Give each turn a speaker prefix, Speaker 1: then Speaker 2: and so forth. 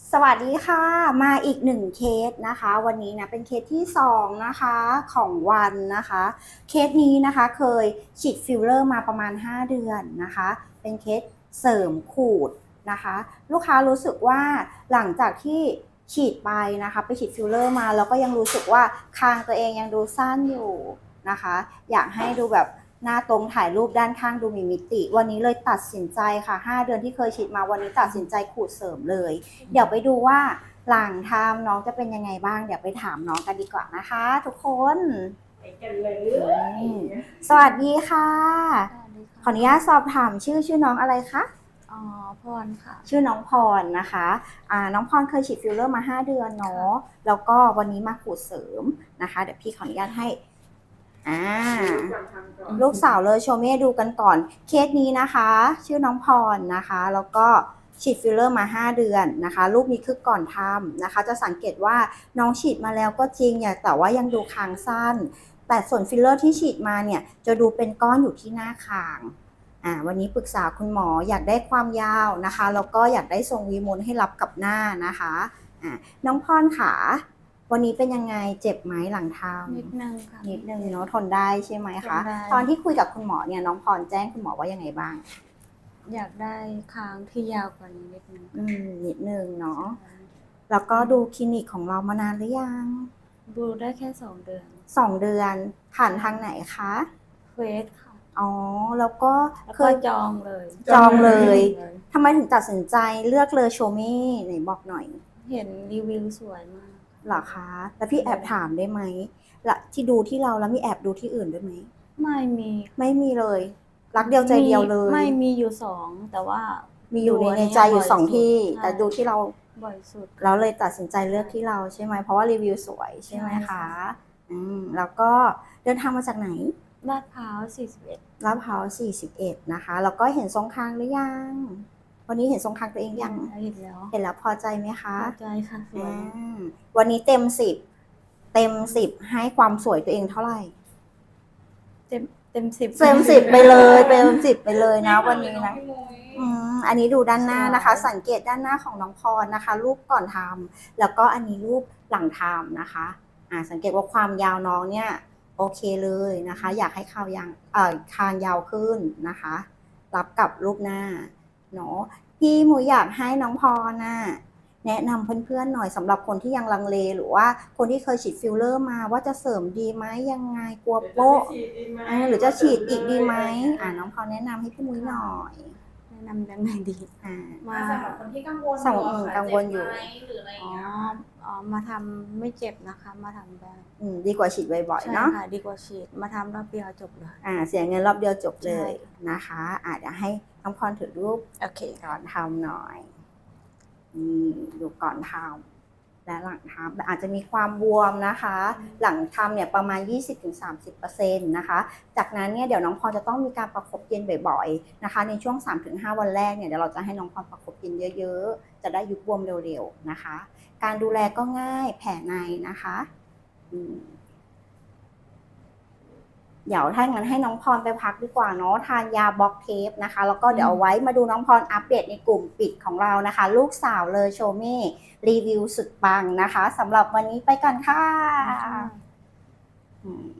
Speaker 1: สวัสดีค่ะมาอีกหนึ่งเคสนะคะวันนี้นะเป็นเคสที่2นะคะของวันนะคะเคสนี้นะคะเคยฉีดฟิลเลอร์มาประมาณ5เดือนนะคะเป็นเคสเสริมขูดนะคะลูกค้ารู้สึกว่าหลังจากที่ฉีดไปนะคะไปฉีดฟิลเลอร์มาแล้วก็ยังรู้สึกว่าคางตัวเองยังดูสั้นอยู่นะคะอยากให้ดูแบบหน้าตรงถ่ายรูปด้านข้างดูมีมิติวันนี้เลยตัดสินใจค่ะ5เดือนที่เคยฉีดมาวันนี้ตัดสินใจขูดเสริมเลยเดี๋ยวไปดูว่าหลังทำน้องจะเป็นยังไงบ้างเดี๋ยวไปถามน้องกันดีกว่านะคะทุกคน
Speaker 2: ไปกันเลย
Speaker 1: สวัสดีค่ะ
Speaker 3: สวัสดีค่ะ
Speaker 1: ขออนุญาตสอบถามชื่อน้องอะไรคะ
Speaker 3: อ๋อพรค่ะ
Speaker 1: ชื่อน้องพรนะคะน้องพรเคยฉีดฟิลเลอร์มา5เดือนเนาะแล้วก็วันนี้มาขูดเสริมนะคะเดี๋ยวพี่ขออนุญาตให้ลูกสาวเลยโชเม่ดูกันก่อนเคสนี้นะคะชื่อน้องพรนะคะแล้วก็ฉีดฟิลเลอร์มา5เดือนนะคะรูปนี้คือก่อนทำนะคะจะสังเกตว่าน้องฉีดมาแล้วก็จริงแต่ว่ายังดูคางสั้นแต่ส่วนฟิลเลอร์ที่ฉีดมาเนี่ยจะดูเป็นก้อนอยู่ที่หน้าคางวันนี้ปรึกษาคุณหมออยากได้ความยาวนะคะแล้วก็อยากได้ทรงวีมนให้รับกับหน้านะคะน้องพรขาวันนี้เป็นยังไงเจ็บไหมหลังทำ
Speaker 3: นิดนึงค่ะ
Speaker 1: นิดนึงเนาะทนได้ใช่ไหมคะ
Speaker 3: ทนได้
Speaker 1: ตอนที่คุยกับคุณหมอเนี่ยน้องพรแจ้งคุณหมอว่ายังไงบ้าง
Speaker 3: อยากได้ค้างที่ยาวกว่านี้นิดนึง
Speaker 1: นิดนึงเนาะแล้วก็ดูคลินิกของเรามานานหรือยัง
Speaker 3: ดูได้แค่2 เดือน
Speaker 1: 2 เดือนผ่านทางไหนคะ
Speaker 3: เฟซค่ะ
Speaker 1: อ๋อแล้วก็
Speaker 3: เคยจองเลย
Speaker 1: ทำไมถึงตัดสินใจเลือกเลอโชเม่ไหนบอกหน่อย
Speaker 3: เห็นรีวิวสวยมาก
Speaker 1: หรอคะแล้วพี่แอบถามได้ไหมละที่ดูที่เราแล้วมีแอบดูที่อื่นด้วยไหม
Speaker 3: ไม่
Speaker 1: มีเลยรักเดียวใจเดียวเลย
Speaker 3: ไม่มีอยู่2แต่ว่า
Speaker 1: มีอยู่ในใจอยู่2ที่แต่ดูที่เรา
Speaker 3: บ่อยสุด
Speaker 1: เราเลยตัดสินใจเลือกที่เราใช่ไหมเพราะว่ารีวิวสวยใช่ไหมคะแล้วก็เดินทางมาจากไหน
Speaker 3: ลาดพร้าว41
Speaker 1: ลาดพร้าว41นะคะแล้วก็เห็นทรงคางหรือยังวันนี้เห็นทรงคางตัวเองยัง
Speaker 3: เห็น
Speaker 1: แล้วพอใจไหมคะ
Speaker 3: พอใจค่ะสวย
Speaker 1: วันนี้เต็ม10ให้ความสวยตัวเองเท่าไหร่
Speaker 3: เต็ม10
Speaker 1: ไปเลยไปเลยนะวันนี้นะอันนี้ดูด้านหน้านะคะสังเกตด้านหน้าของน้องพรนะคะรูปก่อนทำแล้วก็อันนี้รูปหลังทำนะคะสังเกตว่าความยาวน้องเนี่ยโอเคเลยนะคะอยากให้คางยาวขึ้นนะคะรับกับรูปหน้าเนาะพี่หมูอยากให้น้องพรแนะนำเพื่อนๆหน่อยสำหรับคนที่ยังลังเลหรือว่าคนที่เคยฉีดฟิลเลอร์มาว่าจะเสริมดีไหมยังไงกลัวโป๊ะหรือจะฉีดอีกดีไหมน้องพรแนะนำให้พี่มุ้ยหน่อย
Speaker 3: แนะนำยังไงดี
Speaker 2: มาสำหรับคนที่กังวล
Speaker 1: อยู่
Speaker 2: หรืออะไรอย่างเงี้ย
Speaker 3: มาทำไม่เจ็บนะคะมาทำได้
Speaker 1: ดีกว่าฉีดบ่อยๆเนาะ
Speaker 3: ใช่ค่ะดีกว่าฉีดมาทำรอบเดียวจบเลย
Speaker 1: เสียเงินรอบเดียวจบเลยนะคะเดี๋ยวให้น้องพรถือรูป
Speaker 3: โอเค
Speaker 1: ก่อนทำหน่อยดูก่อนทำและหลังทำอาจจะมีความบวมนะคะหลังทำเนี่ยประมาณ 20-30% นะคะจากนั้นเนี่ยเดี๋ยวน้องพรจะต้องมีการประคบเย็นบ่อยๆนะคะในช่วง 3-5 วันแรกเนี่ยเดี๋ยวเราจะให้น้องพรประคบเย็นเยอะๆจะได้ยุบบวมเร็วๆนะคะการดูแลก็ง่ายแผลในนะคะเดี๋ยวถ้างั้นให้น้องพรไปพักดีกว่าเนาะทานยาบล็อกเทปนะคะแล้วก็เดี๋ยวเอาไว้มาดูน้องพรอัปเดตในกลุ่มปิดของเรานะคะลูกสาวเลยโชเม่รีวิวสุดปังนะคะสำหรับวันนี้ไปกันค่ะ